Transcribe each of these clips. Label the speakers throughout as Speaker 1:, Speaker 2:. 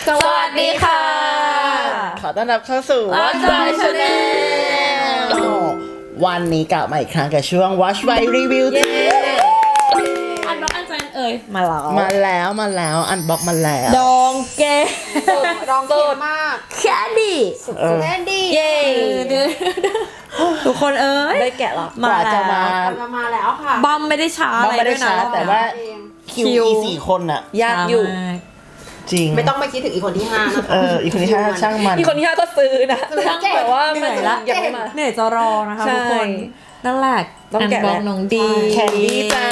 Speaker 1: สวัสดีค่ะ
Speaker 2: ขอต้อนรับเข้าสู่
Speaker 1: Watch by Channel
Speaker 2: วันนี้กลับมาอีกครั้งกับช่วง Watch by Review
Speaker 1: อันบ็อกอันแฟนมาแล้ว
Speaker 2: มาแล้วอันบ็อกมาแล้ว
Speaker 1: ดองแก
Speaker 3: ร้องเก่งมาก
Speaker 1: แค่ดี
Speaker 3: แน่นดี
Speaker 1: เย้ทุกคน
Speaker 3: ได้แกะหรอ
Speaker 1: มา
Speaker 2: ว่าจะ
Speaker 1: แล้ว
Speaker 3: มาแล้วค่ะ
Speaker 1: บัมไม่ได้ช้า
Speaker 2: บัมไม่ได้ช้า
Speaker 1: อะไรด้วยนะ
Speaker 2: แต่ว่า
Speaker 3: เอง
Speaker 2: คิวสี่คนอะ
Speaker 3: ยากอยู่
Speaker 2: จริง
Speaker 3: ไม่ต้องไปคิดถึงอีกคนที่5นะคะ
Speaker 2: อีกคนที่ห้าช่างมัน
Speaker 4: อีกคนที่5ก็ซื้อนะ
Speaker 3: ช่าง
Speaker 4: แต่ว่า
Speaker 1: เห
Speaker 4: มั
Speaker 1: นื่
Speaker 4: น
Speaker 1: อยละ
Speaker 4: ยังไม่มา
Speaker 1: เหนื่อยจะรอนะคะ
Speaker 4: ใช่
Speaker 1: ทุกคนนั่นแหละ
Speaker 4: ต้องแกะ
Speaker 1: นบ็อก
Speaker 4: แล้ว
Speaker 1: น้องดี
Speaker 2: แคนดี้จ้า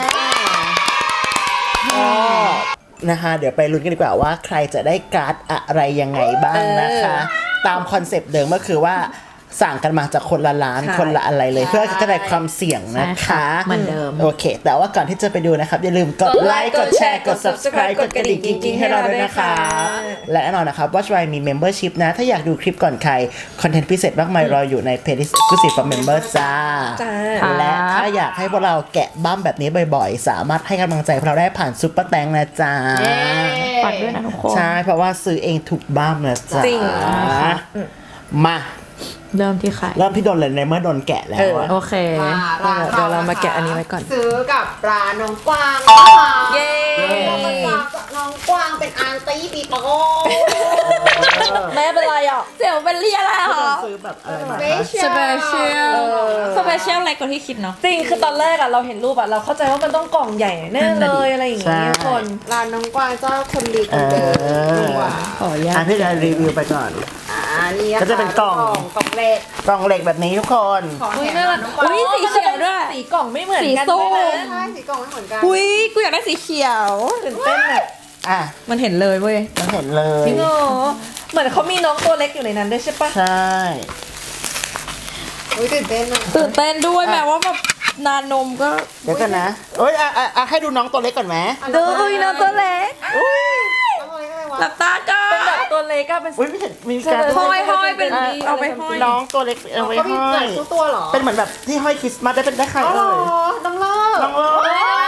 Speaker 2: ก็นะคะเดี๋ยวไปลุ้นกันดีกว่าว่าใครจะได้การ์ดอะไรยังไงบ้างนะคะ ตามคอนเซปต์เดิมก็คือว่าสั่งกันมาจากคนละร้าน
Speaker 4: ใช่
Speaker 2: คนละอะไรเลยเพื่อกระจายความเสี่ยงนะคะ
Speaker 1: เหมือนเดิม
Speaker 2: โอเค แต่ว่าก่อนที่จะไปดูนะครับ อย่าลืมกดไลค์ กดแชร์ กด subscribe กดกระดิ่งกิ๊งๆให้เราด้วยนะคะและแน่นอนนะครับ Watch Why มี membership นะ ถ้าอยากดูคลิปก่อนใคร คอนเทนต์พิเศษมากมายรออยู่ใน playlist exclusive for members จ้า
Speaker 4: จ้า
Speaker 2: และถ้าอยากให้พวกเราแกะบั้มแบบนี้บ่อยๆ สามารถให้กำลังใจพวกเราได้ผ่านซุปเปอร์แตงนะจ๊ะ
Speaker 1: ปัดด้วยนะทุกคน
Speaker 2: ใช่ เพราะว่าซื้อเองถูกบ้ามนะจ๊ะ
Speaker 4: จริง
Speaker 2: มา
Speaker 1: เริ่มที่ใคร
Speaker 2: เริ่มที่โดนเลยในเมื่อโดนแกะแล้วอะ
Speaker 1: โอเค
Speaker 4: เดี๋ยวเรามาแกะอันนี้ไว้ก่อน
Speaker 3: ซื้อกับร้านน้องกวางนะคะ
Speaker 4: เย้
Speaker 3: น้องกวางเป็นอันตี้ปีโป้
Speaker 4: แม่เป็นไรอ่ะ
Speaker 1: เสี่ยวเป็นเรียอะไรเหรอ
Speaker 2: ซื้อแบบอะไรมา
Speaker 1: สเปเชียลสเปเชียลเล็กกว่าที่คิดเนาะ
Speaker 4: จริงคือตอนแรกอ่ะเราเห็นรูปอ่ะเราเข้าใจว่ามันต้องกล่องใหญ่แน่เลยอะไรอย่างเงี้ยทุกคน
Speaker 3: ร้านน้องกวางเจ้าคนดีคนเดิมดีกว่า
Speaker 1: ขออนุญาต
Speaker 2: พี่จะรีวิวไปก่อน
Speaker 3: นี่
Speaker 2: ก็จะเป็นกล่อง
Speaker 3: กล่องเล็ก
Speaker 2: กล่องเหล็กแบบนี้ทุกคน
Speaker 3: ของ
Speaker 4: อุ้ย
Speaker 3: แถ
Speaker 4: น่าม รัก
Speaker 3: น้องกวาง
Speaker 1: อุ๊ยสีเขียวด้วย
Speaker 4: สีกล่องไม่เหมือนกัน
Speaker 1: สีส้ม
Speaker 4: ด้วยนะ
Speaker 3: ใช่สีกล่องไม่เหมือนกัน
Speaker 1: อุ้ยกูอยากได้สีเขียว
Speaker 4: ตื่นเต้นอ่ะ
Speaker 2: อ่ะ
Speaker 1: มันเห็นเลยเว้ย
Speaker 2: มันเห็นเลย
Speaker 4: จริงเหรอเหมือนเขามีน้องตัวเล็กอยู่ในนั้นด้วยใช่ปะ
Speaker 2: ใช่
Speaker 3: อุ้ยตื่นเต้นอะ
Speaker 1: ตื่นเต้นด้วยแม้ว่าแบบนานมก็
Speaker 2: เดี๋ยวกันนะเอ้ยให้ดูน้องตัวเล็กก่อนไหม
Speaker 4: ดูอุ้ยน้องตัวเล็ก
Speaker 3: น้องอะไรก็เลยวะ
Speaker 1: หลับตาก่อ
Speaker 4: เป็นแบบ
Speaker 1: น
Speaker 4: ตัวเล็กอะเป็น
Speaker 2: อุ้ยไม่เห็นมีการ
Speaker 1: ห้อยเป็น เอาไปห้อย
Speaker 2: น้องตัวเล็กเอาไว้
Speaker 3: เขามี
Speaker 2: ห้อ
Speaker 3: หลาย
Speaker 2: ย
Speaker 3: ชุดตัวเหรอ
Speaker 2: เป็นเหมือนแบบที่ห้อยคริสต์มาสได้เป็นได้ใคร
Speaker 3: อ๋อ
Speaker 2: เอ่ย
Speaker 3: น้องเลิศ
Speaker 2: น้องเลิศ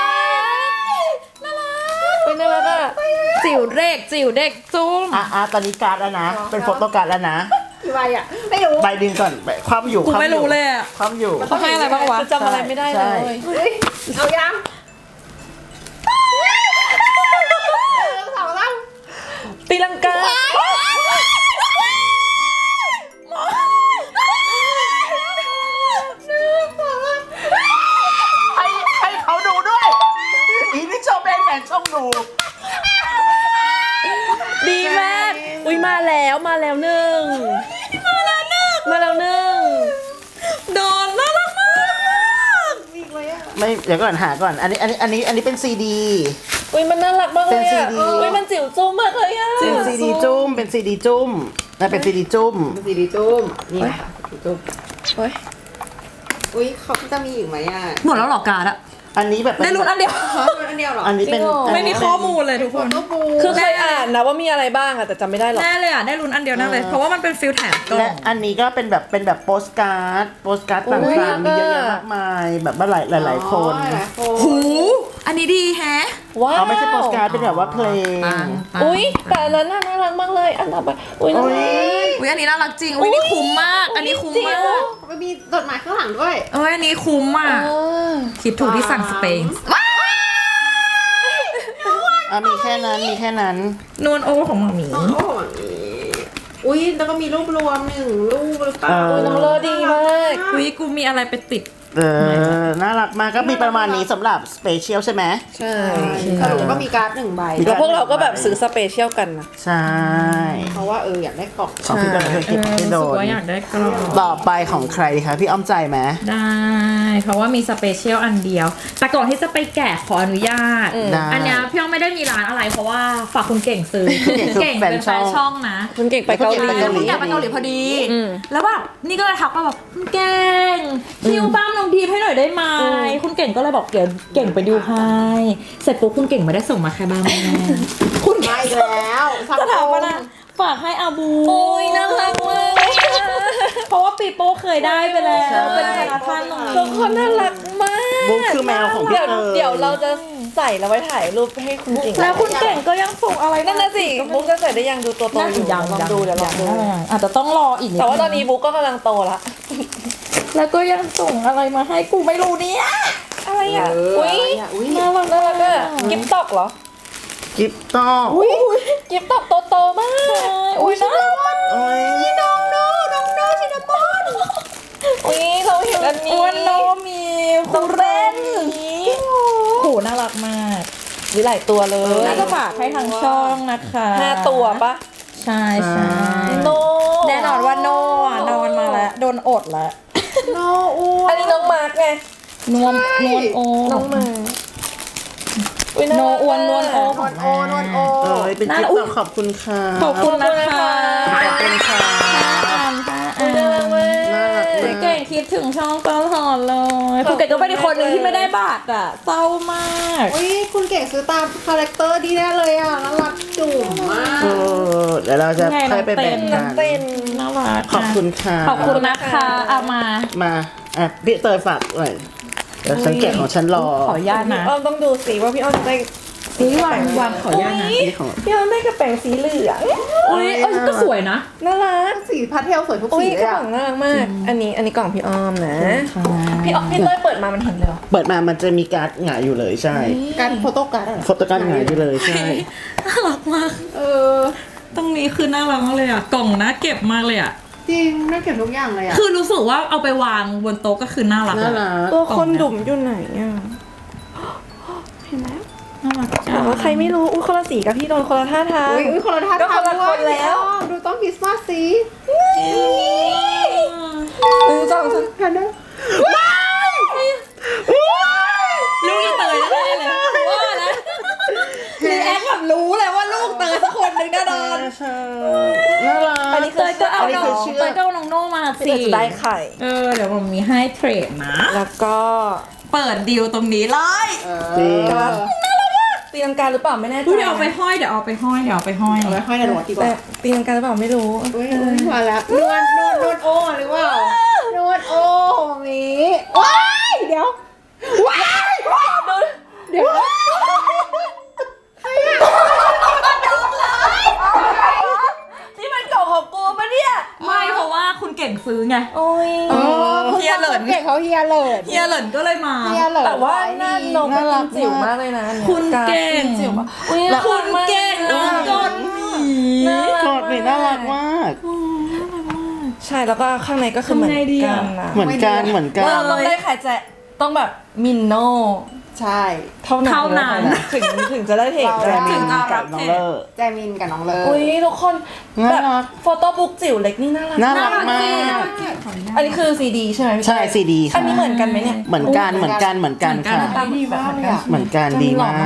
Speaker 4: เป็นน่ารักอะ
Speaker 1: จิ๋วเด็กจิ๋วเด็กจุ้ม
Speaker 2: ตอนนี้การ์ดแล้วนะ เป็นโฟโต้การ์ดแล้วนะ
Speaker 3: กี่ใบอ่ะไม่รู้
Speaker 2: ใบดึงก่อนความอยู่
Speaker 1: กูไม่รู้เลยอะ
Speaker 2: ความอยู่
Speaker 1: เขาให้อะไรบ้างวะ
Speaker 4: จะจำอะไรไม่ได้เลย
Speaker 3: เฮ้ยเอายังสองแล้ว
Speaker 4: ตีลังกา
Speaker 2: ให้เขาดูด้วยอีนี่ชมเองแหมช่องดู
Speaker 4: ดีมากอุ้ยมาแล้วหนึ่งมาแล้วหนึ่ง
Speaker 1: โดนน่ารักมาก
Speaker 3: อีกเลยอ่ะ
Speaker 2: ไม่เดี๋ยวก่อนหาก่อน อันนี้เป็นซีดี
Speaker 4: อุ้ยมันน่ารักมากเลย
Speaker 2: เป็น
Speaker 4: อะ
Speaker 2: CD
Speaker 4: อุ้ยมันจิ๋วจุ้มมากเลยอะ
Speaker 2: เป็นซีดีจุ้มเป็นซีดีจุ้มนะเป็นซีดีจุ้ม
Speaker 3: สีดีจุ้มนี่ค่ะสีจุ้ม
Speaker 4: โอ้ย
Speaker 3: อุ้ยเขาจะมีอีกไหมอ่ะ
Speaker 1: หมดแล้วเหรอการ์ดอะ
Speaker 2: อันนี้แบบ
Speaker 1: ได้รุ่นอันเดียว
Speaker 3: เขาเป็นอันเดียวเหรอ
Speaker 2: อันนี้เป็น
Speaker 1: ไม่มีข้อมูลเลยทุกคน
Speaker 3: โน้ตบู
Speaker 4: คือเคยอ่านนะว่ามีอะไรบ้างอะแต่จำไม่ได้หรอก
Speaker 1: แน่เลยอ่ะ ได้รุ่นอันเดียวแน่เลย เพราะว่ามันเป็นฟิลแถมกล่อ
Speaker 2: และ
Speaker 1: ง
Speaker 2: อันนี้ก็เป็นแบบโปสการ์ดต่างๆมีเยอะแยะมากมายแบบว่าหลายคน
Speaker 3: หลายคน
Speaker 1: หูอันนี้ดีแฮะ
Speaker 4: ว้าว
Speaker 2: เอาไม่ใช่โปสการ์ดเป็นแบบว่าเพลง
Speaker 4: อุ้ยแต่อันนั้นน่ารักมากเลยอันต่อไปอุ้ยน่ารัก
Speaker 1: อุ้ยอันนี้น่ารักจริง อุ้ยนี่คุ้มมาก อันนี้คุ้มมาก
Speaker 3: มันมีจดหมายข้างหลังด้วย
Speaker 1: เอ้ยอันนี้คุ้มมาก คิดถูกที่สั่งสเปน
Speaker 2: มีแค่นั้น
Speaker 1: นวลโอของหมาหมี
Speaker 3: โอ้โหอุ้ยแล้วก็มีรูปรวม1 รูปหรือเปล่า
Speaker 4: อุ้ยน้องเลอดีมาก
Speaker 1: อุ้ยกูมีอะไรไปติด
Speaker 2: น่ารักมากก็มีประมาณนี้สำหรับสเปเชียลใช่ไหม
Speaker 4: ใช่
Speaker 3: สรุปก็มีการ์ด1 ใบ
Speaker 4: แล้วพวกเราก็แบบซื้อสเปเชียลกันนะ
Speaker 2: ใช่
Speaker 3: เพราะว่าอยากได้กล่อง
Speaker 2: ของพี่โดนพี่
Speaker 1: รู้
Speaker 2: โด
Speaker 1: สึก
Speaker 2: น
Speaker 1: ว่าอยากได้กล่อง
Speaker 2: ต่อไปของใครดีคะพี่อ้อมใจไหม
Speaker 1: ได้ เพราะว่ามีสเปเชียลอันเดียว แต่ก่อนที่จะไปแกะขออนุญาต
Speaker 2: ได้
Speaker 1: อันเนี้ยพี่อ้อมไม่ได้มีร้านอะไรเพราะว่าฝากคุณเก่งซื้อเก่งเป็นแฟนช่องนะ
Speaker 4: คุณเก่งไปเกาหลี
Speaker 1: คุณอยากไปเกาหลีพอดี แล้วแบบนี่ก็เลยทักมาบอกคุณเก่งดิวบ้ามน้องดีมให้หน่อยได้ไหมคุณเก่งก็เลยบอกเก่งไปดิวให้เสร็จปุ๊บคุณเก่งไม่ได้ส่งมาแค่บ้ามแม่คุณ
Speaker 3: มาอีกแล้วสัก
Speaker 1: จะถามว่านะฝากให้อาบู
Speaker 4: โอ้ยน่ารักมาก
Speaker 1: เพราะว่าปีโป้เคยได้ไปแล้วเป็นธนาคารตรงนี้
Speaker 4: ทุกคนน่ารักมาก
Speaker 2: บุ๊กคือแมวของพี่
Speaker 4: เดี๋ยว
Speaker 2: เตย
Speaker 4: เดี๋ยวเราจะใส่แล้วไว้ถ่ายรูปให้คุณเก่ง
Speaker 1: แล้วคุณเก่งก็ยังส่งอะไร
Speaker 4: นั่นน่ะสิบุ๊กจะใส่ได้ยังดูตัวโต
Speaker 1: น่า
Speaker 4: อ
Speaker 1: จะ
Speaker 4: ยู่
Speaker 1: ยัง
Speaker 4: ลองดูเดี๋ยวลองดู
Speaker 1: อาจจะต้องรออีกด
Speaker 4: แต่ว่าตอนนี้บุ๊กก็กำลังโตละ
Speaker 1: แล้วก็ยังส่งอะไรมาให้กูไม่รู้เนี่ย
Speaker 4: อะไรอ่ะ
Speaker 3: อุ้ย
Speaker 1: น่ารัก
Speaker 4: น่ารักอะกิฟต์ตอกเหรอ
Speaker 2: กิฟต้อง
Speaker 4: กิฟต์ตอกโตๆมาก
Speaker 1: อุ้ยน่ารักมาก
Speaker 2: โอ้ย
Speaker 3: น้องโนชินามอน
Speaker 4: อุ้ยเราเห็นอันนี้
Speaker 1: อ้วนโนมีคุเรนโหน่ารักมาก
Speaker 4: มีหลายตัวเลย
Speaker 1: น่าจะฝากให้ทางช่องนะคะ
Speaker 4: 5 ตัวปะ
Speaker 1: ใช่ใช่
Speaker 4: โน
Speaker 1: แน่นอนว่าโนอ่ะนอนมาแล้วโดนอดแล้ว
Speaker 3: โนอ้ว
Speaker 4: อันนี้น้องมาร์กไง
Speaker 1: นวลโอ
Speaker 4: น้องมาอุ้ย
Speaker 1: โน
Speaker 4: รัก
Speaker 1: อ้วนนวลโอ
Speaker 3: โนโนโอ
Speaker 2: เอ้ยเป็นกิฟ
Speaker 1: อุ๊ย
Speaker 2: ต์ขอบคุณค่ะ
Speaker 1: ขอบคุณนะคะ
Speaker 2: ขอบคุณค่ะ
Speaker 4: อุ้ยน่ารักมาก
Speaker 2: น่ารัก
Speaker 1: คุณเก่งคิดถึงช่องตลอดเลยคุณเก่งก็เป็นอีกคนหนึ่งที่ไม่ได้บัตรอ่ะเศร้ามาก
Speaker 3: อุ้ยคุณเก่งซื้อตามคาแรคเตอร์ดีแน่เลยอ่ะน่ารักจุ๋มมาก
Speaker 2: เออเดี๋ยวเราจะค่อยไปแบ่งกัน
Speaker 4: เต้น
Speaker 1: น่ารัก
Speaker 2: ขอบคุณค่ะ
Speaker 1: ขอบคุณนะคะเอามา
Speaker 2: มาอ่ะพี่เตยฝากหน่อยเดี๋ยวสังเกตของฉันรอ
Speaker 1: ขออนุญาต
Speaker 4: พี่
Speaker 1: นะ
Speaker 4: อ้อมต้องดูสิว่าพี่อ้อมจะได้
Speaker 1: ซื้อวางขออนุญาตนะ
Speaker 2: อันนี้ของ
Speaker 4: พี่อ้อมได้กระแป๋งสีเหลือง
Speaker 1: อุ้ยก็สวยนะ
Speaker 4: น่ารัก
Speaker 3: สีพาสเทลสวยทุก
Speaker 4: อุ้
Speaker 3: สี
Speaker 4: ย
Speaker 3: เล
Speaker 4: ก
Speaker 3: ย
Speaker 4: ระ
Speaker 3: อ่ะ
Speaker 4: ป๋องน่ารักมาก อันนี้กล่องพี่อ้อมนะ พี่อ้อมพี่เต้ยเปิดมามันเห็นเลยเหรอ
Speaker 2: เปิดมามันจะมีการ์ดหงายอยู่เลยใช่
Speaker 3: การโฟโต้การ์ดอะ
Speaker 2: โฟโต้การ์ดหงายอยู่เลยใช่
Speaker 1: น่ารักมาก
Speaker 3: เออ
Speaker 1: ตรงนี้คือน่ารักมากเลยอ่ะกล่องน่าเก็บมากเลยอ่ะ
Speaker 3: จริงน่าเก็บทุกอย่างเลยอ่ะ
Speaker 1: คือรู้สึกว่าเอาไปวางบนโต๊ะก็คือน่ารัก
Speaker 2: น่า
Speaker 1: อะ
Speaker 2: รัก
Speaker 4: ตัวคนดุ่มอยู่ไหนอ่ะ เห็นไหม
Speaker 1: น่ารักจั
Speaker 4: แต่
Speaker 1: ง
Speaker 4: ว่าใครไม่รู้ อุ้ยคนละสีกับพี่โดนคนละท่าทาง
Speaker 3: อุ้ยคนละท่า
Speaker 4: ก็
Speaker 3: ทาง
Speaker 4: คนละคนแล้ว
Speaker 3: ดูต้องคริสต์มาสสิ
Speaker 4: 2 3
Speaker 3: แพนเดอร์
Speaker 1: ลูกอีเตยแน่ๆเลยว่านะรีแอคแบบรู้เลยว่าลูกเตยสักคนหนึ่งแน่นอน
Speaker 2: ใช่น่ารัก
Speaker 4: อันนี้
Speaker 1: เตยก็เอา
Speaker 2: อันนี้
Speaker 1: น้
Speaker 2: คือ อง เชือก
Speaker 1: เตยก็เอาน้องโน่มา
Speaker 4: พี่
Speaker 1: สิ
Speaker 4: เตยจะได้ไข่
Speaker 1: เดี๋ยวผมมีให้เทรดนะ
Speaker 4: แล้วก็
Speaker 1: เปิดดีลตรงนี้เลย
Speaker 2: จริง
Speaker 4: ตีลังกาหรือเปล่าไม่แน่ใจ
Speaker 1: เดี๋ยวเอาไปห้อยเดี๋ยวเอาไปห้อย
Speaker 3: เอาไว้ห้อยในรถดีก
Speaker 4: แต่
Speaker 3: ว่า
Speaker 4: ตีลังกาหรือเปล่าไม่รู้
Speaker 3: อุ้ยมาแล้วนวดโอ้หรือเปล่านวดโอ้มีว้ายเดี๋ยวว้ายเดี๋ยว
Speaker 4: นี่มันกล่องของกูปะเนี่ย
Speaker 1: ไม่เพราะว่าคุณเก่งซื้อไง
Speaker 4: โอ้ย
Speaker 1: เฮียเหลิน
Speaker 3: เก่งเขาเฮียเหลิน
Speaker 1: เฮียเหลินก็เลยมา
Speaker 3: เฮียเหลิน
Speaker 4: แต่ว่าหน้าน้องเป็นจิ๋วมากเลยนะ
Speaker 1: คุณเก่ง
Speaker 4: จิ๋วมากอุ้ย
Speaker 1: คุณเก่งน้องกดหมี
Speaker 2: กอดนี่น่ารักมาก
Speaker 4: ใช่แล้วก็ข้างในก็คือเหมือนกันนะ
Speaker 2: เหมือนกันเหมือนกัน
Speaker 4: เราต้องได้ไข่แจะต้องแบบมินโน่
Speaker 3: ใช่
Speaker 4: เท่านั้นถึงจะได้เทค
Speaker 2: แจ
Speaker 4: ได้
Speaker 2: มินกับน้องเลอร์
Speaker 3: แจมินกับน้องเลิ
Speaker 4: อุ้ยทุกคน
Speaker 2: น่า
Speaker 4: แบบ
Speaker 2: รัก
Speaker 4: โฟโต้บุ๊กจิ๋วเล็กนี่น่ารัก
Speaker 2: น่ารักมาก
Speaker 4: อันนี้คือซีดีใช่ไหมพี่
Speaker 2: ใช่ซีดี
Speaker 4: อันนี้เหมือนกันไหมเนี่ย
Speaker 2: เหมือนกันเหมือนกันเหมือนกันค่ะ
Speaker 4: ตามดีมากเลยอ่ะ
Speaker 2: เหมือนกันดีมาก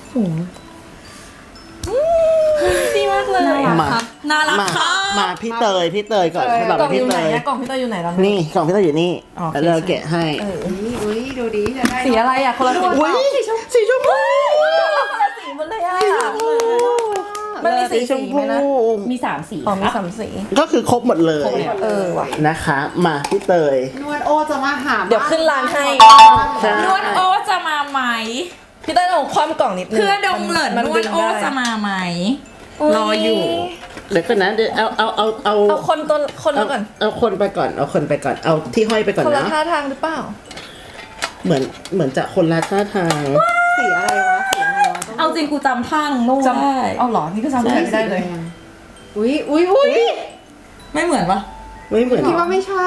Speaker 4: ดีมากเลย
Speaker 2: มา
Speaker 1: น่ารัก
Speaker 2: มา
Speaker 1: ค่ะ
Speaker 2: มาพี่เตยก่อนสำหรับ
Speaker 4: กล่องอ
Speaker 2: พี่
Speaker 4: ยู่
Speaker 2: เต
Speaker 4: ไหน
Speaker 2: ย
Speaker 4: อะกล่องพี่เตยอยู่ไหนแล้ว
Speaker 2: นี่กล่องพี่เตยอยู่นี่
Speaker 4: อ๋อโอเค
Speaker 2: แล้วเราแกะให้
Speaker 3: อุ้ยดูดีจะได้
Speaker 4: สีอะไรอ่ะคนละสี
Speaker 2: อุ้ยสีชมพู
Speaker 4: คนละสีหมันเลยอ่ะมันมี
Speaker 2: สี
Speaker 4: สี
Speaker 2: ชม
Speaker 4: สี
Speaker 2: พู
Speaker 4: ไหมนะ
Speaker 1: มี3 สี
Speaker 4: อ๋อมี
Speaker 1: ครับ
Speaker 4: 3 สี
Speaker 2: ก็คือครบหมดเลย
Speaker 4: ว่ะ
Speaker 2: นะคะ มาพี่เตย
Speaker 3: นวดโอจะมาหา
Speaker 4: เดี๋ยวขึ้นร้านให้
Speaker 2: ใช่
Speaker 1: นวดโอจะมาไหม
Speaker 4: พี่เต้ยเอาความกล่องนิดนึง
Speaker 1: เพื่อดงเหลิน
Speaker 4: มัน
Speaker 1: นว
Speaker 4: ดึ
Speaker 1: ด
Speaker 4: ง
Speaker 1: โอ
Speaker 4: ได้
Speaker 1: จะมาไหม รออยู่
Speaker 2: เดี๋ยวก่อนนะเดี๋ยวเอา
Speaker 4: เอาคนละก่อน
Speaker 2: เอาคนไปก่อนเอาคนไปก่อนเอาที่ห้อยไปก่อน
Speaker 4: คนละ
Speaker 2: นะ
Speaker 4: ท่าทางหรือเปล่า
Speaker 2: เหมือนจะคนละท่าทาง
Speaker 3: สีอะไรวะสีอะไรวะ
Speaker 1: เอาจริงกูจำท่าน้องโน่ได้
Speaker 4: เอาเหรอ นี่ก็จำไม่ได้เลย
Speaker 3: อุ้ย
Speaker 1: ไม่เหมือนปะ
Speaker 2: ไม่เหมือน
Speaker 3: คิดว่าไม่ใช่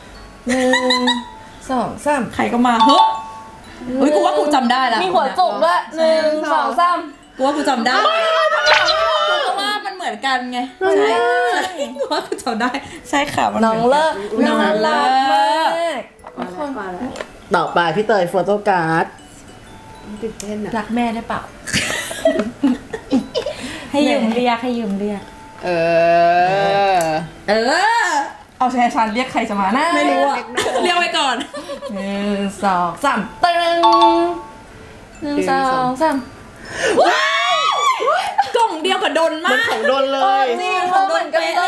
Speaker 4: 1 2 3
Speaker 1: ใครก็มาเฮ้ยเฮ้ยกูว่ากูจำได้แล้ว
Speaker 4: มีหัวจุกด้วย1 2 3
Speaker 1: กูว่ากูจำได้เพราะว่ามันเหมือนกันไงใช่กูว่ากูจำได้ใช่ค่ะมัน
Speaker 4: น้องเลิก
Speaker 1: น้องเลิ
Speaker 4: มาก
Speaker 3: มาแล้ว
Speaker 2: ต่อไปพี่เตยโฟโต้การ์ด
Speaker 3: ตื่นเต้นอ่ะ
Speaker 4: รักแม่ได้เปล่า
Speaker 1: ให้ยืมเรียกให้ยืมเรียก
Speaker 3: เออ
Speaker 4: เอาแชร์ชันเรียกใครจะมานะ
Speaker 1: ไม่รู้อะเรียกไว้ก่อน
Speaker 4: 1 2 3ตึง1 2 3
Speaker 1: กล่องเดียวกับดน
Speaker 2: มัน
Speaker 1: มาก
Speaker 2: ของโดนเลย
Speaker 4: จริงเราเหมือนกันเลย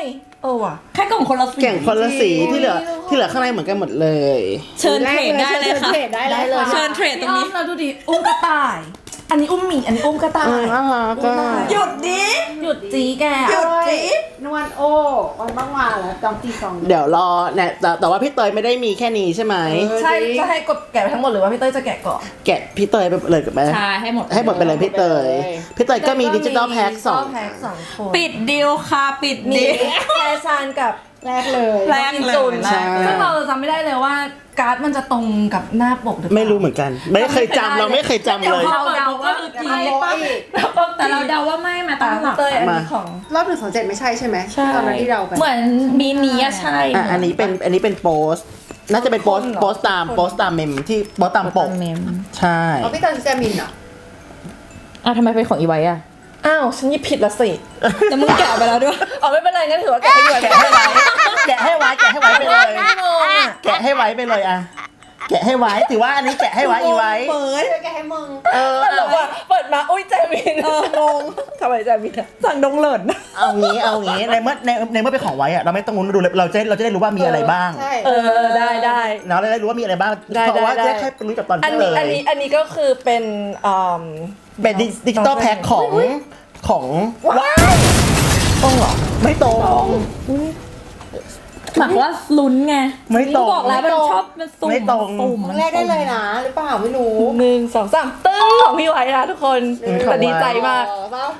Speaker 4: ว่ะ
Speaker 1: แค่กล่องคนละสี
Speaker 2: เก่งคนละสีที่เหลือข้างในเหมือนกันหมดเลย
Speaker 1: เชิญเทรดได้เลยค่ะ
Speaker 3: เทรดได้เลย
Speaker 1: เชิญเทรดตรงนี้
Speaker 4: เราดูดิอุ้มกระต่าย อันนี้อุ้มหมีอันนี้อุ้มกระต่าย
Speaker 2: น่ารักก็
Speaker 1: หยุดดิ
Speaker 4: หยุดจีแก
Speaker 1: หยุดสิ
Speaker 3: นวลโอวันบ้างมาแล้วจองตีสอง
Speaker 2: เดี๋ยวรอเนี่ยแต่ว่าพี่เตยไม่ได้มีแค่นี้ใช่ไหม
Speaker 4: ใช่จะให้กดแกะไปทั้งหมดหรือว่าพี่เต้ยจะแกะก่อน
Speaker 2: แกะพี่เตยไปเลยกับแม่
Speaker 1: ใช่ให้หมด
Speaker 2: ให้หมดไปเลยพี่เตยก็มีดิจิตอลแพ็คสอง
Speaker 4: แพ็คสองคน
Speaker 1: ปิดดีลค่ะปิด
Speaker 4: มี
Speaker 1: ดีล
Speaker 4: แฟชั่นกับ
Speaker 3: แรกเลย
Speaker 1: แรกเลย
Speaker 4: จุน
Speaker 1: แรกเลย
Speaker 4: ซึ่งเราจำไม่ได้เลยว่าการ์ดมันจะตรงกับหน้าปกหรือเปล่า
Speaker 2: ไม่รู้เหมือนกัน ไม่เคยจำเราไม่เคยจำเลย
Speaker 1: เราเดาว่าคือจริงแต่เราเดาว่าไม่มาตั้งหลัก
Speaker 4: เต้ยอันนี้ของ
Speaker 3: รอบ127ไม่ใช่ใช่ไหมตอนนั้นที่เราไป
Speaker 1: เหมือนมีนี้อะใช่
Speaker 2: อันนี้เป็นโปสต์น่าจะเป็นโปสต์ตามเมมที่โปสต์ตามปก
Speaker 1: เมม
Speaker 2: ใช่
Speaker 3: เอาพี่ตอนแจมินเหรอ
Speaker 1: ทำไมเป็นของอีไว้อะ
Speaker 4: อ้าวฉันหยิบผิดละสิ
Speaker 1: แต่มึงแกะไปแล้วด้วย
Speaker 4: อ๋อไม่เป็นไรงั้นถือว่าแกะให้ด้วย
Speaker 2: แกะให้ไว้ไปเลย
Speaker 4: ไม่งงอ่ะ
Speaker 2: แกะให้ไว้ไปเลยอะแกะให้ไว้ถือว่าอันนี้แกะให้ไว้อีไว้
Speaker 3: เปิดแกให้มึง
Speaker 4: ตลกว่ะเปิดมาอุ้ยแจมินงงทำไมแจมินอะ
Speaker 1: สั่งดงเลิศ
Speaker 2: เอางี้ในเมื่อเป็นของไว้อะเราไม่ต้องรู้ดูเลยเราจะได้รู้ว่ามีอะไรบ้าง
Speaker 3: ใช่
Speaker 4: ได้
Speaker 2: เราได้รู้ว่ามีอะไรบ้าง
Speaker 4: ได้
Speaker 2: เพราะว่า
Speaker 4: ได้
Speaker 2: จะแค่รู้จักตอน
Speaker 4: อัน
Speaker 2: ที่
Speaker 4: นี้
Speaker 2: เลย
Speaker 4: อันนี้ก็คือเป็น
Speaker 2: เป็นดิจิตอลแพ็คของ
Speaker 4: ว้ายตรงเหรอ
Speaker 2: ไม่ตรง
Speaker 1: หมายว่าลุ้นไง
Speaker 2: ไม่ตรง
Speaker 1: บอกแล้วมันชอบมันสุ่ม
Speaker 2: ไม่ตรง
Speaker 1: สุ่ม
Speaker 3: แรกได้เลยนะหรือเปล่าไม่รู้
Speaker 4: 1 2 3ตึ้งของพี่ไว้นะทุกคนแต่ดีใจมาก
Speaker 3: เปล่า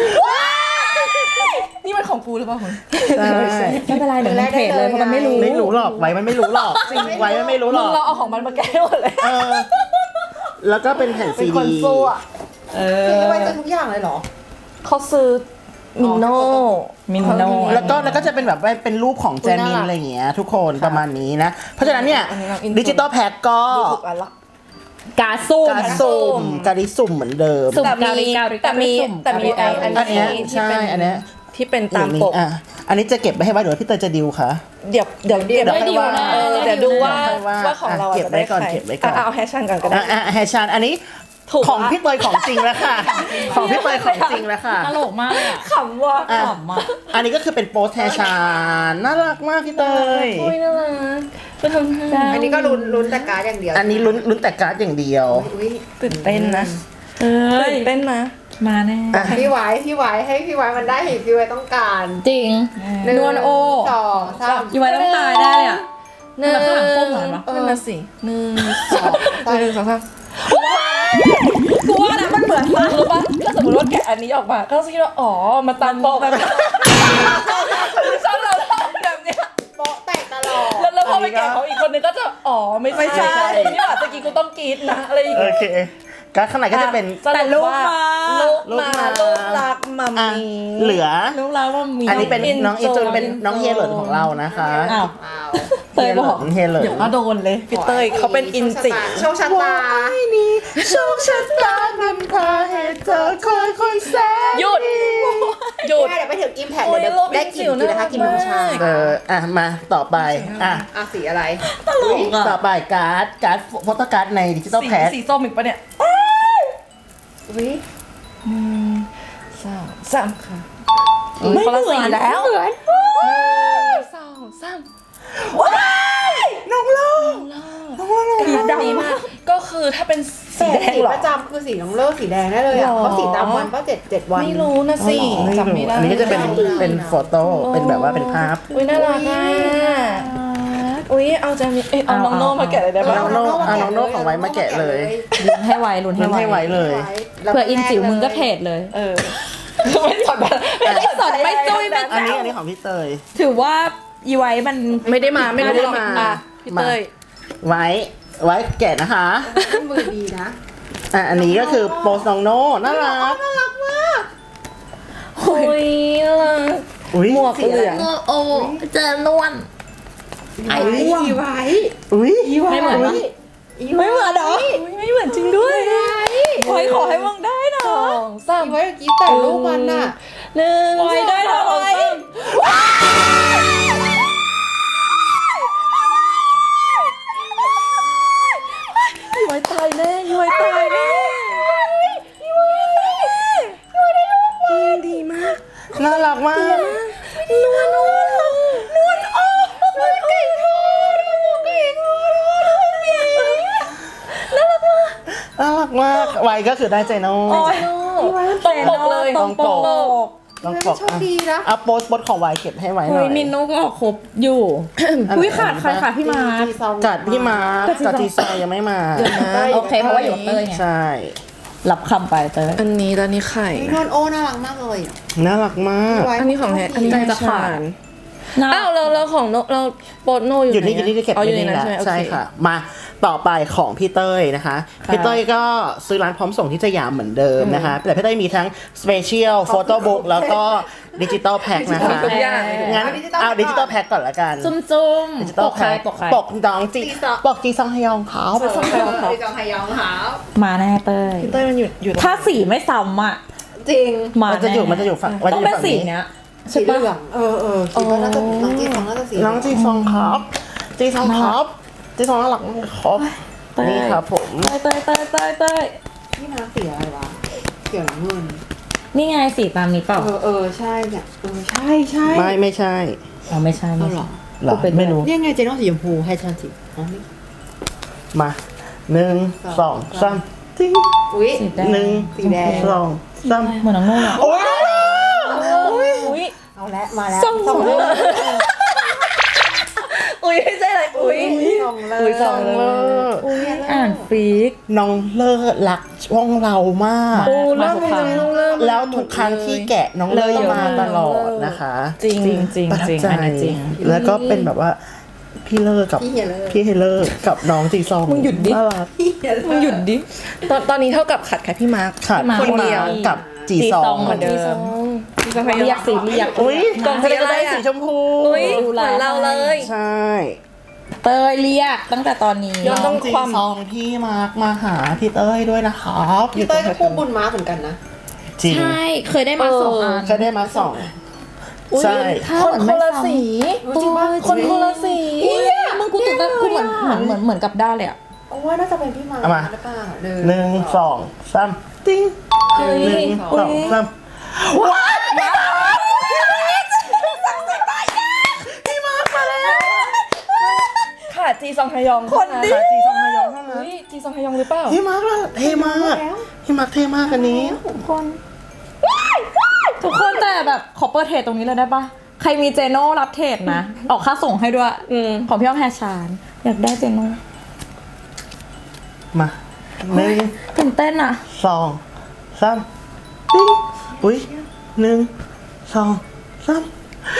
Speaker 4: นี่มันของกูหรือเปล่าคุณ
Speaker 2: ใช่
Speaker 1: ไม่เป็นไรเดี๋ยวมันเทรดเลยเพราะมันไม่รู้
Speaker 2: ไม่รู้หรอกไว้มันไม่รู้หรอกไว้มันไม่รู้หร
Speaker 4: มึ
Speaker 2: อง ก
Speaker 4: เราเอาของมันมาแก้หมดเลย
Speaker 2: เออแล้วก็เป็นแผ่น
Speaker 4: เป็
Speaker 2: ซี
Speaker 4: นคน
Speaker 2: ดี
Speaker 4: สู้อะ
Speaker 3: พี่ไว้เจอทุกอย่างเลยเหรอ
Speaker 4: เขาซื้อมินโน่
Speaker 1: มินโน่
Speaker 2: แล้วก็จะเป็นแบบว่าเป็นรูปของแจมินอะไรอย่างเงี้ยทุกคนประมาณนี้นะ เพราะฉะนั้นเนี่ยดิจิตอลแพ็คก็
Speaker 4: ดูถูกอันละ
Speaker 1: การสุ่ม
Speaker 2: การสุ่มการิสุ่มเหมือนเดิม
Speaker 1: สุ่ม
Speaker 4: แต่มีไออัน
Speaker 2: อันเนี้ย
Speaker 4: นี้ที่
Speaker 2: ใช่
Speaker 4: เป็น
Speaker 2: อันเนี้ย
Speaker 4: ที่เป็นตามปก
Speaker 2: อันนี้จะเก็บไปให้ไว้เดี๋ยวพี่เตยจะดิวค่ะ
Speaker 4: เดี๋ยวเก็บ
Speaker 1: ไม่ดีลนะ
Speaker 4: เดี๋ยวดูว่า
Speaker 2: ว่า
Speaker 4: ของเรา
Speaker 2: เก็บไว้ก่อน
Speaker 4: จะด้ใคร
Speaker 2: เก็บไว้ก่อน
Speaker 4: เอาแฮชชั่นก่อนก็ได้
Speaker 2: แฮชชันอันนี้
Speaker 4: ถูก
Speaker 2: ของ
Speaker 4: ปะ
Speaker 2: พี่เตยของจริงแล้วค่ะ ของพี่เตยของจริงแล้วค่ะ
Speaker 1: ตลกมากอะ
Speaker 4: ขำว่ะ
Speaker 2: อ่ะ
Speaker 1: ขำอะ
Speaker 2: อันนี้ก็คือเป็นโปสแฮชชันน่ารักมากพี่เตย
Speaker 4: โอ้ยน่ารักก็ทำให้
Speaker 3: อันนี้ก็ลุ้นแต่การ์ดอย่างเดียว
Speaker 2: อันนี้ลุ้นแต่การ์ดอย่างเดียว
Speaker 3: อุ๊ย
Speaker 4: ตื่นเต้นนะ
Speaker 1: เอ้ย
Speaker 4: ตื่นเต้นนะ
Speaker 1: มาแน่
Speaker 2: อ่ะ
Speaker 3: พี่ไว้ให้พี่ไว้มันได้เห็นพี่ไว้ต้องการ
Speaker 1: จริง
Speaker 3: หนึ่ง
Speaker 1: นวลโอ
Speaker 3: 2 3
Speaker 1: อีไว้ต้องตายได้เลยอะ
Speaker 4: หนึ่ง
Speaker 1: แล้วข้างหลังก้มหน่อยปะ
Speaker 4: นั่นน่ะสิหนึ่งสองหนึ่งสองสาม
Speaker 1: กูว่านะมันเหมือนมาก
Speaker 4: รู้ปะถ้าสมมติว่าแกะอันนี้ออกมาก็จะคิดว่าอ๋อมาตามปกแบบชอบเราแบบเนี้ย
Speaker 3: โป๊ะแตกตลอด
Speaker 4: แล้วพอไปแกะของอีกคนนึงก็จะอ๋อไม่ใช่พี่หวานตะกี้กูต้องกรี๊ดนะอะไรอย่าง
Speaker 2: โอ
Speaker 4: เงี้ย
Speaker 2: เคการ์ดข้างในก็จะเป็น
Speaker 1: แต่ลูกมา
Speaker 4: ลูกรักมัม
Speaker 2: อ่ะ
Speaker 4: มี่
Speaker 2: เหลือ
Speaker 1: ลูกเราว่ามี
Speaker 2: อันนี้เป็นน้องอินจนเป็นน้องเฮียเหลินของเรานะคะ
Speaker 1: อ้าว
Speaker 3: อ้าว
Speaker 1: เตยบอก
Speaker 2: เฮียเหลิน
Speaker 4: เดี๋ยวก็โดนเลยพี่เต้ยเขาเป็นอินจิ
Speaker 3: โชคชะตา
Speaker 2: นี่โชคชะตานำพาให้เธอคอยแสน
Speaker 4: หยุดหยุด
Speaker 3: เดี๋ยวไปถึงอิมแพค
Speaker 4: โอ้ย
Speaker 3: เดี๋ยว
Speaker 4: โลก
Speaker 3: ได้กินนะคะกินน้ำชา
Speaker 4: จิ๋วน่ารักมาก
Speaker 2: มาต่อไปอ่ะ
Speaker 3: สีอะไร
Speaker 1: ตลกอะ
Speaker 2: ต่อไปการ์ดโฟโต้การ์ดในดิจิตอลแพ็ค
Speaker 4: สีส้มอีกปะเนี่ย
Speaker 3: วิ
Speaker 4: สองสามค่ะ
Speaker 1: ไม่
Speaker 4: คนละ
Speaker 1: เหมื
Speaker 4: สี
Speaker 1: อน
Speaker 4: แล้ว
Speaker 1: เหมือน
Speaker 4: สองสาม
Speaker 2: น้องโลก
Speaker 4: ดีมากก็คือถ้าเป็นสี
Speaker 3: แต่
Speaker 4: แดง
Speaker 3: สี
Speaker 4: เหรอ
Speaker 3: ประจำคือสีน้องเลิศสีแดงได้เลยอ่ะ
Speaker 4: หรอ
Speaker 3: เพราะสีตามวันก็7 วัน
Speaker 4: ไม่รู้นะสิจำไม่ได้
Speaker 2: อันนี้ก็จะเป็นโฟโต้เป็นแบบว่าเป็นภาพ
Speaker 4: อุ้ยน่ารักอ่ะอุ้ยเอาจะมีเอาน้องโน่มาแกะเลยได้ปะ
Speaker 2: น้องโน่เอาน้องโน่ของไว้มาแกะเลย
Speaker 1: ลุ้นให้ไวลุ้น
Speaker 2: มันให้
Speaker 1: ให้ไว
Speaker 2: ไว้เลย
Speaker 1: เผื่ออินจิ๋วมึงก็เทรดเลย
Speaker 4: เออไม่สนไม่สน
Speaker 1: ไม่จุ้ยไม่
Speaker 2: อันนี้ของพี่เตย
Speaker 1: ถือว่าอีไว้มัน
Speaker 4: ไม่ได้มา
Speaker 2: ไม่ได้มา
Speaker 4: อ่ะพี่เต้ย
Speaker 2: ไว้แกะนะคะ
Speaker 3: มือดีนะ
Speaker 2: อันนี้ก็คือโปสน้องโน่น่ารัก
Speaker 4: อุ้ยน่ารัก
Speaker 2: อุ้ย
Speaker 4: หมวกเหลือง
Speaker 1: โอ้เจอนวลไอ้อ้วง
Speaker 3: อีไว้
Speaker 2: อุ้ย
Speaker 1: ไม่เหมือนปะ ไม่เหมือนเหรอ
Speaker 4: อุ๊ยไม่เหมือนจริงด้วย
Speaker 1: ขอให้มึงได้นะ
Speaker 4: สองสาม
Speaker 3: อีไว้เมื่อกี้แต่งรูปมันน่ะ
Speaker 4: หนึ่ง
Speaker 1: ไว้ได้
Speaker 4: สอง
Speaker 1: ทำไม
Speaker 4: สามย้อยตายแน่ย้อยตายแน่ย้อยได้ลูกดีมาก
Speaker 2: น่ารักมาก
Speaker 4: นัว
Speaker 2: น่ารักมากไวก็คือได้ใจโน่
Speaker 1: โอ้ย
Speaker 4: ตรงปกเลย
Speaker 1: ตรงปก
Speaker 2: ต้อง
Speaker 3: ไม่
Speaker 2: บอก
Speaker 3: โชคดีนะ
Speaker 2: เอาโพสต์ของไวเก็บให้ไว้หน่
Speaker 1: เฮ้
Speaker 2: อย ย
Speaker 1: มินโนก็ออกครบอยู่อุ้ยขาดใครขาดพี่มาร์ค
Speaker 2: กัดพี่มาร์คกับจีซองยังไม่มา
Speaker 1: โอเคเพราะว่าอยู่กับเต้ยไง
Speaker 2: ใช่
Speaker 1: รับคำไปเต้ย
Speaker 4: อันนี้ตอนนี้ไข่
Speaker 3: นวลโอ้น่ารักมากเลย
Speaker 2: น่ารักมาก
Speaker 4: อันนี้ของแท้อันนี้
Speaker 1: ใจจะขาด
Speaker 4: อ้าวเราของเราโปรโนอยู่
Speaker 2: อยู่นี่
Speaker 4: ไห
Speaker 2: อยู่นี่ที่เก็บ
Speaker 4: อ๋ออยู่
Speaker 2: ไว้
Speaker 4: ใน
Speaker 2: นี่
Speaker 4: นั้น
Speaker 2: แหละ
Speaker 4: ใช่ไหมโอ
Speaker 2: ใช่
Speaker 4: เค
Speaker 2: ค่ะ มาต่อไปของพี่เต้ยนะคะ พี่เต้ยก็ซื้อร้านพร้อมส่งที่สยามเหมือนเดิมนะคะ แต่พี่เต้ยมีทั้งสเปเชียลโฟโต้บุ๊กแล้วก็ดิจิตอลแพ็คนะคะ
Speaker 4: ทุกอย่าง
Speaker 2: งั้นเอาดิจิตอลแพ็คก่อนละกัน
Speaker 1: จุ่ม
Speaker 2: ดิจิ
Speaker 1: ๆ
Speaker 2: ตอ
Speaker 1: ป
Speaker 2: ล
Speaker 1: กใคร
Speaker 2: แพ็ค
Speaker 1: ปกใคร
Speaker 2: ปกน้องจีปกจีซองฮยองเขา
Speaker 3: พี่จองไฮยองหา
Speaker 1: มาแน่เต้ย
Speaker 4: พี่เต้ยมันอยู่
Speaker 1: ถ้าสีไม่ซ้ำอ่ะ
Speaker 3: จริง
Speaker 1: มา
Speaker 2: มันจะอยู่มันจะอยู่ฝั่งมัน
Speaker 1: ต้อ
Speaker 2: จะ
Speaker 1: ง
Speaker 2: อยู่
Speaker 1: เป็น
Speaker 2: ฝั่ง
Speaker 1: สี
Speaker 2: นี้
Speaker 1: เนี้ย
Speaker 3: สีเหลืองคิดว่าน่าจะน้องจีซองน่าจะสี
Speaker 2: น้องจีซองครับจีซองครับจีซองน่ารักมากครับ
Speaker 1: เต้ย
Speaker 2: นี่ครับผม
Speaker 1: เต้ยเต้ยเต้ยเต้ย
Speaker 3: พี่มาสีอะไรวะเขียวน้ำเงิน
Speaker 1: นี่ไงสีตามนี้เปล่า
Speaker 3: ใช่เนี่ยใช่ใช่
Speaker 2: ไม่ใช่
Speaker 1: อ๋อไม่ใช่ไม่
Speaker 3: เอาเหร
Speaker 1: ใช่
Speaker 3: อ
Speaker 2: เหรอ
Speaker 1: เป็น
Speaker 2: ไม่รู้
Speaker 3: เนี่ยไงเจนต้องสีชมพูให้ฉันสีอ๋อนี่
Speaker 2: มา1 2 3จิ้ง
Speaker 3: อุ้ย
Speaker 1: สีแดง
Speaker 2: 1
Speaker 3: สีแดง
Speaker 2: 2 3
Speaker 1: เหมือนน้องโน่เลย
Speaker 2: โอ้ย
Speaker 1: อุ้ย
Speaker 3: เอาละมาแล้ว
Speaker 1: ส่ง
Speaker 3: ส่งเลย
Speaker 4: อุ้ยไม่ใช่อะไรอุ้ย
Speaker 3: ส่งเลย
Speaker 4: อุ้ยส่งเลย
Speaker 1: อุ้ยอ่านฟิก
Speaker 2: น้องเลิศรักช่องเรามาก
Speaker 4: โอ้
Speaker 1: มา
Speaker 4: เริ่ม
Speaker 1: ทุกครั้ง
Speaker 2: แล้วทุกครั้งที่แกะน้องเลิศมาตลอดนะคะ
Speaker 4: จริง
Speaker 1: จริงจริง
Speaker 2: ประทับ
Speaker 1: จริง
Speaker 2: ใจ
Speaker 1: อันนี้จริง
Speaker 2: แล้วก็เป็นแบบว่าพี่เลิศกับ
Speaker 3: พี่เฮียเลย
Speaker 2: พี่เฮเลอร์กับน้องจีซอง
Speaker 1: มึงหยุดดิ
Speaker 2: น่ารัก
Speaker 3: พี่เฮียเลย
Speaker 1: มึงหยุดดิ
Speaker 4: ตอนนี้เท่ากับขัดแค่พี่มาร์ค
Speaker 2: ขาด
Speaker 1: มา
Speaker 2: คนเดียวกับจีซอง
Speaker 1: เหมือนเดิม
Speaker 4: พี่ซอง
Speaker 1: เรียกสีเรียก
Speaker 2: อุ้ย
Speaker 4: กล่องสีอะไร
Speaker 2: ได้
Speaker 4: อะ
Speaker 2: สีชมพู
Speaker 4: อุ้ยเหมือนเราเลย
Speaker 2: ใช่
Speaker 1: เตยเรียกตั้งแต่ตอนนี้
Speaker 4: ย้อนต้อง
Speaker 2: จี
Speaker 4: ความ
Speaker 2: ซองพี่มาร์คมาหาพี่เต้ยด้วยนะครับ
Speaker 3: พี่เต้ยก็คู่บุญม้าเหมือนกันนะ
Speaker 2: จริง
Speaker 1: ใช่เคยได้มาสองอัน
Speaker 2: เคยได้มาสอง
Speaker 1: อุ๊ย
Speaker 2: ใช่
Speaker 1: ถ้า
Speaker 4: คน
Speaker 1: เหมือน
Speaker 4: คน
Speaker 1: ไม่
Speaker 4: ละ
Speaker 1: ซ้ำ
Speaker 4: สี
Speaker 3: จริงปะ
Speaker 4: คนคนละสี
Speaker 1: มึงกูตื่นเต้นกูเหมือนกับด้านเลยอ่ะ
Speaker 3: โอ้ยน่าจะเป็นพี่มา
Speaker 2: เอามา
Speaker 3: หรือเปล่า
Speaker 2: หนึ่งสองสามติ้ง
Speaker 1: เฮ้ย
Speaker 2: หนึ่งสองสามว้ายพี่มาร์คมาแล้ว
Speaker 4: ค่ะจีซองฮยอง
Speaker 1: คนดิ
Speaker 2: ขาจีซองฮยองเท่านั้น
Speaker 4: อุ้ยจีซองฮยองหรือเปล่า
Speaker 2: พี่มาร์คน่ะเท่มากพี่มาร์คเท่มากอันนี้
Speaker 1: ทุกคนทุกคนแต่แบบขอเปิดเทรดตรงนี้เลยได้ปะใครมีเจโน่รับเทรดนะ ออกค่าส่งให้ด้วย ของพี่อ้อมแฮชานอยากได้เจโน่
Speaker 2: มาหนึ่ง
Speaker 1: ตื่นเต้นอ่ะ
Speaker 2: สองสามติ้งอุ้ยหนึ่งสองสาม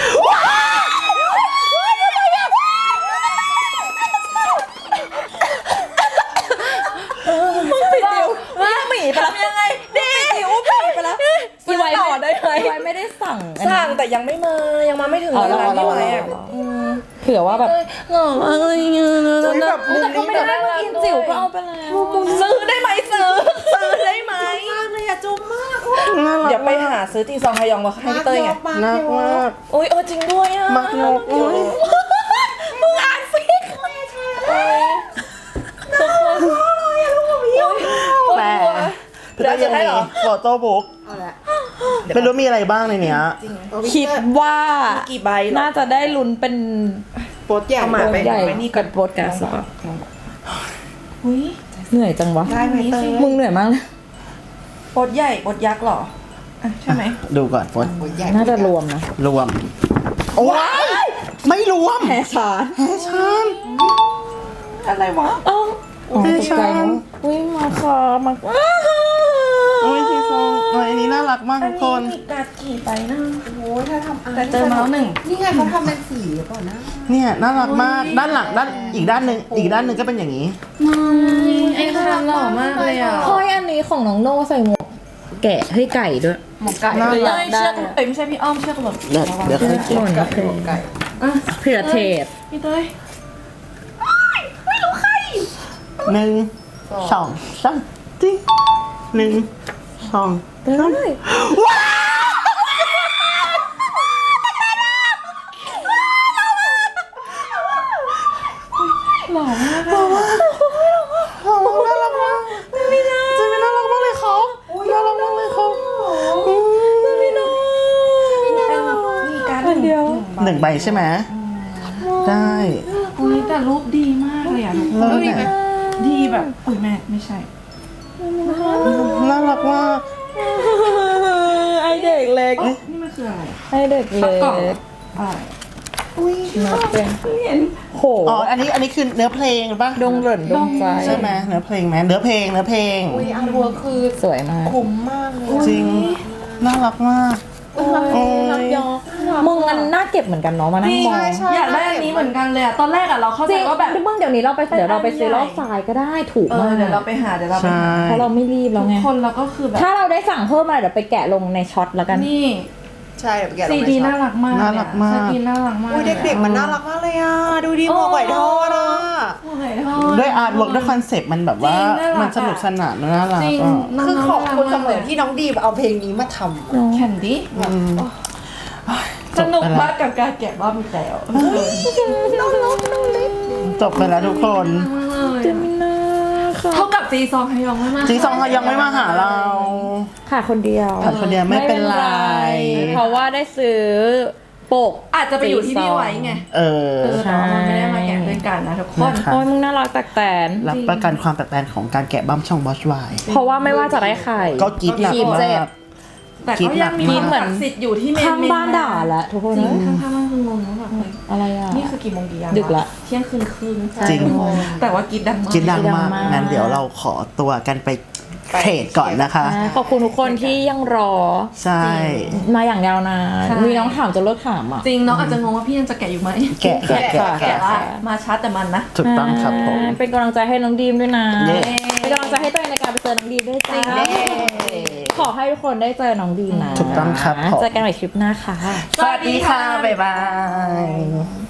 Speaker 1: ปิดดิวว่าหมีไปแล้วยังไงดิดิวหมีไปแล้วอีไว
Speaker 4: ต่อได้ไหม
Speaker 1: อีไวไม่ได้สั่งอันนี้
Speaker 4: สั่งแต่ยังไม่มายังมาไม่ถึง
Speaker 1: อ๋อ
Speaker 4: เวลา
Speaker 1: เรา
Speaker 4: ที่ไว้อะ
Speaker 1: เผื่อว่าแบบ
Speaker 4: หล่อมากเลยเงี้ยนะ
Speaker 2: อุ้ยแบบมุม
Speaker 1: แต่ก็
Speaker 2: นี้
Speaker 1: ไม่
Speaker 2: แบบ
Speaker 1: ได้มากินจิ๋วก็เอาไปแล้ว
Speaker 4: ซื้อได้ไหมซื้อได้ไหม
Speaker 3: มากเลยอะจุ๊บมาก
Speaker 2: น่ารัก
Speaker 4: เดี๋ยวไปหาซื้อจีซองฮยองมาให้พี่เต้ยไง
Speaker 2: น่ารักมาก
Speaker 4: โอ้ยจริงด้วยอ่ะ
Speaker 2: มากนกอุ้ย
Speaker 4: มึงอ่านฟิกทุกคน
Speaker 2: แต่
Speaker 4: เดี๋ยวจะให้เหรอ
Speaker 2: โฟโต้บุ๊ก
Speaker 3: เอาละ
Speaker 2: ไม่รู้มีอะไรบ้างในเนี้ย
Speaker 1: คิดว่า
Speaker 4: กี่ใบเหรอ
Speaker 1: น่าจะได้ลุ้นเป็น
Speaker 3: โปสใหญ่
Speaker 4: เอามา
Speaker 1: โบ
Speaker 4: ไป
Speaker 1: ใหญ่
Speaker 4: ไปนี่
Speaker 1: กับโบดแกสป่ะ
Speaker 4: อุ้ย
Speaker 1: เหนื่อยจังวะ
Speaker 3: ได้ไหมเต้ย
Speaker 1: มึงเหนื่อยมากเลย
Speaker 4: ปดใหญ่ปดยักษ์เหรออ่ะใช่ไหม
Speaker 2: ดูก่อนโฟน
Speaker 3: โปสใหญ่
Speaker 1: น่าจะรวมนะ
Speaker 2: รวมโอ้ยไม่รวม
Speaker 1: แฮชาน
Speaker 2: แฮชาน
Speaker 4: อะไรวะ
Speaker 1: อ๋อตกใจนะอุ้ยมาค่ะมา
Speaker 2: โอ้ยจีซองโอ้ยอันนี้น่ารักมากทุกคน
Speaker 4: มีกาดกี่ใบนะ
Speaker 3: โอ้ยถ้าทำ
Speaker 4: แต่เจอมาแล้วหนึ่ง
Speaker 3: นี่ไงเขาทำเป็นสีหรือเปล่านะ
Speaker 2: เนี่ยน่ารักมากด้านหลังด้านอีกด้านหนึ่งก็เป็นอย่างนี้
Speaker 4: ไอ้คันหล่อมากเลยอ่ะ
Speaker 1: เฮ้ยอันนี้ของน้องโน่ใส่หมวกแกะให้ไก่ด้วย
Speaker 3: หมกไก่
Speaker 2: น่า
Speaker 1: อ
Speaker 2: รั
Speaker 1: ยาก กได้
Speaker 4: เชือกเอ้ยไม่ใช่พี่อ้อมเชือกหล่น
Speaker 2: เดี๋ยวค่อยเก็บ
Speaker 1: หล่นโอเค
Speaker 3: หมกไก่
Speaker 1: เผื่อเทป
Speaker 4: พี่เต้ย
Speaker 2: หนึ่งสองสามติ้งหนึ่งสอง
Speaker 1: ได้
Speaker 2: น่ารักมากจะมีน่ารักมากเลยครับน่ารักมากเลยครับ
Speaker 4: มีการ
Speaker 1: อันเดียว
Speaker 2: หนึ่งใบใช่ไหมได้
Speaker 4: อุ้ยแต่รูปดีมากเลยอ่ะทุกคน
Speaker 2: เลิศเนี่ย
Speaker 4: ดีแบบอุ้ยแม่ไม่ใช่
Speaker 2: น่ารักมาก
Speaker 1: ไอเด็กเล็ก
Speaker 3: นี่มันคืออะไร
Speaker 1: ไอเด็กเล็
Speaker 3: กล่อง
Speaker 1: ก
Speaker 3: อะไร
Speaker 1: เป็น โห
Speaker 2: อ๋ออันนี้คือเนื้อเพลงป่ะ
Speaker 1: ดงเหรินดงใจ
Speaker 2: ใช่ไหมเนื้อเพลงไหมเนื้อเพลง
Speaker 3: อุ้ยอาร์ตเวิร์คคือ
Speaker 1: สวยมาก
Speaker 3: คุ้มมากเลย
Speaker 2: จริงน่ารักมาก
Speaker 1: โอ้ยรักยอมึงมันน่าเก็บเหมือนกันเนาะมานั่งมอง
Speaker 4: อยากได้อันนี้เหมือนกันเลยอะตอนแรกอะเราเข้า
Speaker 1: จ
Speaker 4: ใจ
Speaker 1: ริง
Speaker 4: ว่าแบบ
Speaker 1: มึงเดี๋ยวนี้เราไปซื้อรอบทรายก็ได้ถูกมาก
Speaker 4: เดี๋ยวเราไปหา
Speaker 2: ใช่
Speaker 1: เพราะเราไม่รีบแล้วไง
Speaker 4: คนเราก็คือแบบ
Speaker 1: ถ้าเราได้สั่งเพิ่มมาเดี๋ยวไปแกะลงในช็อตแล้วกัน
Speaker 4: นี่
Speaker 3: ใช่เดี๋ยวไปแกะล
Speaker 4: ซี
Speaker 3: งใน
Speaker 4: ดี
Speaker 3: ช็อ
Speaker 4: น่า
Speaker 3: ป
Speaker 4: รักมาก
Speaker 2: น่ารักมาก
Speaker 4: ซีดีน่ารักมาก
Speaker 3: อุ้ยเด็กๆมันน่ารักมากเลยอ่ะ ดูดีหมวกไหวทอดอ่ะ
Speaker 4: โอ้ยทอด
Speaker 2: ด้วยอาร์ตเวิร์กด้วยคอนเซปต์มันแบบว่า
Speaker 4: จริงน่ารัก
Speaker 2: มันสนุกสนานน่ารัก
Speaker 4: จริง
Speaker 2: อ่ะ
Speaker 3: คือขอบคุณเสมอที่น้องดีมเอาเพลงนี้มาทำอะ
Speaker 4: แคนดี้
Speaker 2: จ
Speaker 4: ส
Speaker 2: บ
Speaker 4: นุก
Speaker 2: ไปแล้ว
Speaker 4: มากกับการแกะบ้ามีแต่
Speaker 2: จบไปแล้วทุกคน
Speaker 1: เจมินาค่ะ
Speaker 4: เท่ากับจีซองฮยองไม่มา
Speaker 2: จีซองเขายังไม่มาหาเรา
Speaker 1: ค่ะคนเดียว
Speaker 2: ขาดคนเดียวไม่เป็นไร
Speaker 1: เพราะว่าได้ซื้อปก
Speaker 4: อาจจะไปอยู่ที่พี่ไว้ไง
Speaker 2: เออ
Speaker 4: แต่ว่ามันไม่ได้มาแกะด้วยกันนะทุกคน
Speaker 2: นะคะ
Speaker 1: โอ้ยมึงน่ารักแตกแตน
Speaker 2: รับประกันความแตกต่างของการแกะบั้มช่องบอชไว
Speaker 1: เพราะว่าไม่ว่าจะได้ใคร
Speaker 2: ก็กรีดหนัก
Speaker 1: กรี๊ด
Speaker 2: มา
Speaker 1: เจ็บ
Speaker 2: ก
Speaker 4: แต่ก็ยังมี
Speaker 2: คิดหนักมาก
Speaker 4: เหมือนสิทธิ์อยู่ที่เมน
Speaker 1: ข้างบ้านด่าแล้วทุกคน
Speaker 4: จริงข้างๆบ้านคืองงมากเลย
Speaker 1: อะไรอ่ะ
Speaker 4: นี่คือกี่โมงกี่ยาม
Speaker 1: ดึกละ
Speaker 4: เที่ยงคืนครึ่ง
Speaker 2: จริง
Speaker 4: แต่ว่ากินดังมาก
Speaker 2: กินดังมาก
Speaker 1: ดังมาก
Speaker 2: งั้นเดี๋ยวเราขอตัวกันไปเทรดก่อนนะคะ
Speaker 1: ขอบคุณทุกคนที่ยังรอ
Speaker 2: ใช่
Speaker 1: มาอย่างยาวนานมีน้องถามจนเลิกถามอ่ะ
Speaker 4: จริงน้องอาจจะงงว่าพี่ยังจะแกะอยู่ไหม
Speaker 2: แกะแกะแกะ
Speaker 4: แกะ
Speaker 2: แกะ
Speaker 4: ละมาช้าแต่มันนะ
Speaker 2: ถูกต้องครับผม
Speaker 1: เป็นกำลังใจให้น้องดีมด้วยนะ
Speaker 2: เย้
Speaker 1: เป็นกำลังใจให้ตัวเองในการไปเจอน้องดีมด้วยจ้า
Speaker 2: เย้
Speaker 1: ขอให้ทุกคนได้เจอน้องดีมนะ
Speaker 2: ถูกต้องครับผม
Speaker 1: เจอกันใหม่คลิปหน้าค่ะ
Speaker 2: สวัสดีค่ะ บ๊ายบาย